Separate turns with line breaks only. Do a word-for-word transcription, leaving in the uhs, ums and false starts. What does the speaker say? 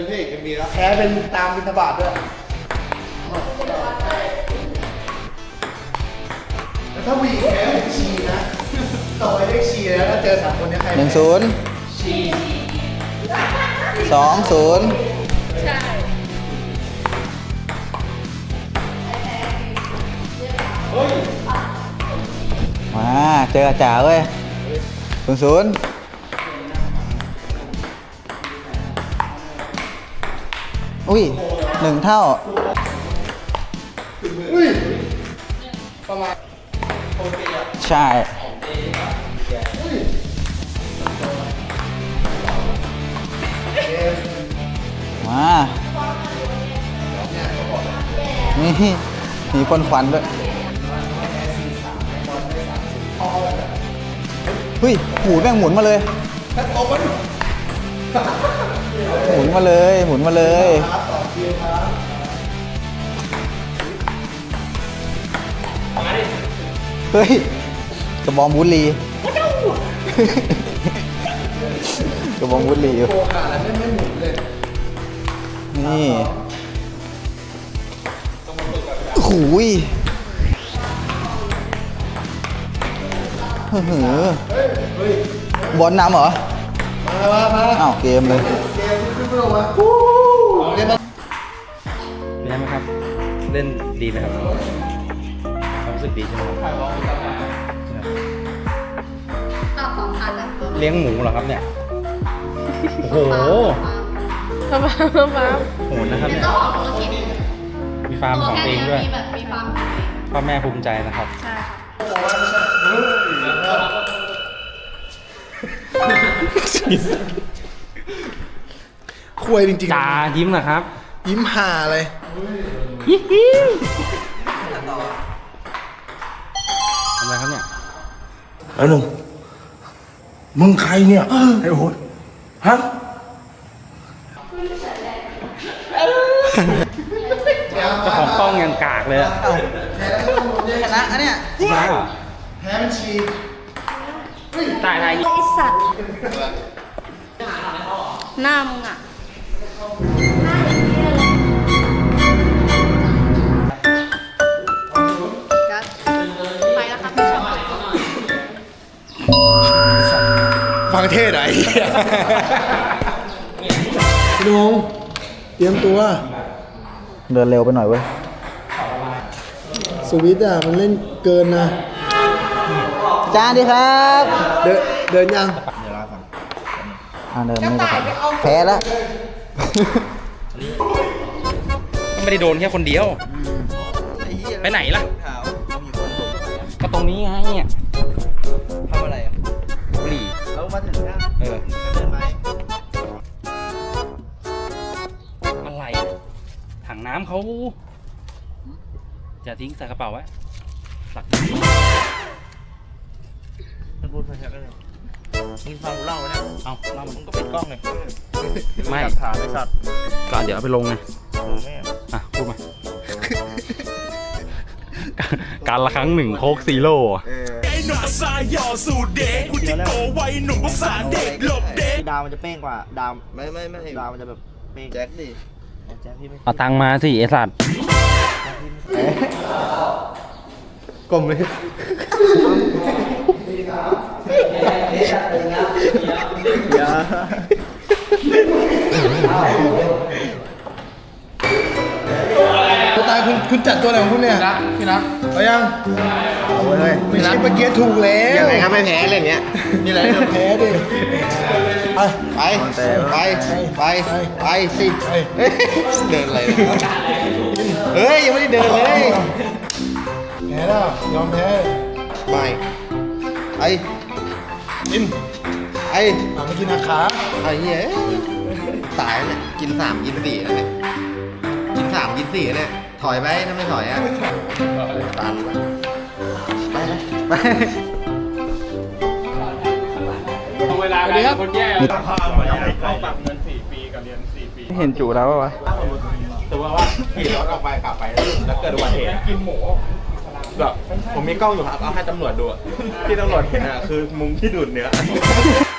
พี่เอกมีแล้วแพ้เป็นตามบิณฑบาตด้วยแล้วถ้าวีแพ้เป็นชีนะต่อไปเรียกชีแล้วถ้าเจอสามคนนี้ใคร
หนึ่งศูนย์
ชี
สองศูนย์
ใช่
มาเจออาจารย์เว้ยศูนย์ศูนย์อุ้ยหนึ่งเท่า
อุ้ยประมาณโอเคอ่ะ
ใช่มานี่มีพ่นควันด้วยเฮ้ยหมูแม่งหมุนมาเลยหมุนมาเลยหมุนมาเลยเฮ้ยกระบองบุหรี่กระบองบุหรี่อยู่นี่หูยเฮ้อบอลนำเหรอ
มามา
อ้าวเกมเลย
เกมขึ้นไปลงมาเล่น
เป็นไงครับเล่นดีไหมครับความรู้สึกดีใช่ไหมครับ
ตอบสองพันแล้ว
เลี้ยงหมูเหรอครับเนี่ยโอ้โห
ฟาร์มฟาร์มฟาร์ม
โหดนะครับ
เป็น
เนี่ย
เจ้าของธุรกิจ
มีฟาร์มของตัวเองด้วย
มีแบบมีฟาร์มของตัวเอง
พ่อแม่ภูมิใจนะครับ
ใช่ค่ะ
คุยจริงๆ
จ่ายิ้มเหรอครับ
ยิ้มห่าเลย
ทำอะไรครับเนี่ย
ไอ้หนุ่มมึงใครเนี่ยไอ้โหดฮะ
เจ้าของกล้องยังกากเลยอะ
ชนะอันเนี้ย
มาเหรอ
แพ้เป็นชี
ตายตาย
ไอสัตว์หน้ามึงอ่ะหน้าอย่างนี้เลยกัสไปแล้วครับพี่ชอบ
ฟังเทศไหนพี่นุงเตรียมตัว
เดินเร็วไปหน่อยเว้ย
สวิตอ่ะมันเล่นเกินนะ
จานดีครับ
เดินเดินยัง
อ่าเดินไม่ได้แพ้แล้ว
ก็ไม่ได้โดนแค่คนเดียว ไปไหนล่ะ ก็ตรงนี้ไงเนี่ย
ทำอะไรอ่ะ
บุหรี่
เอามาถึงแล้ว
เออ
เดินไหม
อะไรถังน้ำเขาจะทิ้งใส่กระเป๋าไว้หลัก
มันพูดภาษาอะไรมึงฟังกูเล่าไหมเนี่ย
เอาเล่า
มึ
มึ
ง
ง
ก็
ก็
ปิดกล้องเลย
ไม่
หลักฐานไอ้สัตว์
ก็เดี๋ยวเอาไปลงไง
เออแม่
อ่ะพูดมา การละครั้งหนึ่งโคกซีโร่อะ
ไอ้หนุ่มภาษาหย่อสูตรเด็กกูจิโกไว้หนุ่มภาษาเด็กหลบเด็ก
ดาวมันจะเป้งกว่าดาว
ไม่ไม่ไม่
ดาวมันจะแบบเป้ง
แจ็คดิ
แจ็คพี่ไม่
เอาตังค์มาสิไอสัตว์
กลมเลยตัวตายคุณคุณจัดตัวไหนของคุณเนี่ยนะพี่นะเอายังเอาเลยไม่ใช่เมื่อกี้ถูกแล้วยังไงครับไม่แพ้อะไรเงี้ยนี่แหละแพ้ดิไปไปไปไปไปสิเดินอะไรเฮ้ยยังไม่ได้เดินเลยแพ้แล้วยอมแพ้ไม่ไอ้กินไอ้มากินอาขาไอ้เหี้ยตายเนี่ยกินสามกินสี่แล้วเนี่ยกินสามกินสี่เนี่ยถอยไปถ้าไม่ถอยอ่ะตันไปไปเวลาไปครับคนแย่ต้องปรับเงินสี่ปีกับเรียนสี่ปี
เห็นจูแล้ววะ
แต่ว่าว่าขี่รถออกไปกลับไปแล้วเกิดอุบัติเหตุกินหมูแบบผมมีกล้องอยู่ครับเอาให้ตำรวจดูที่ตำรวจเห็นอ่ะคือมุมที่ดูดเนื้อ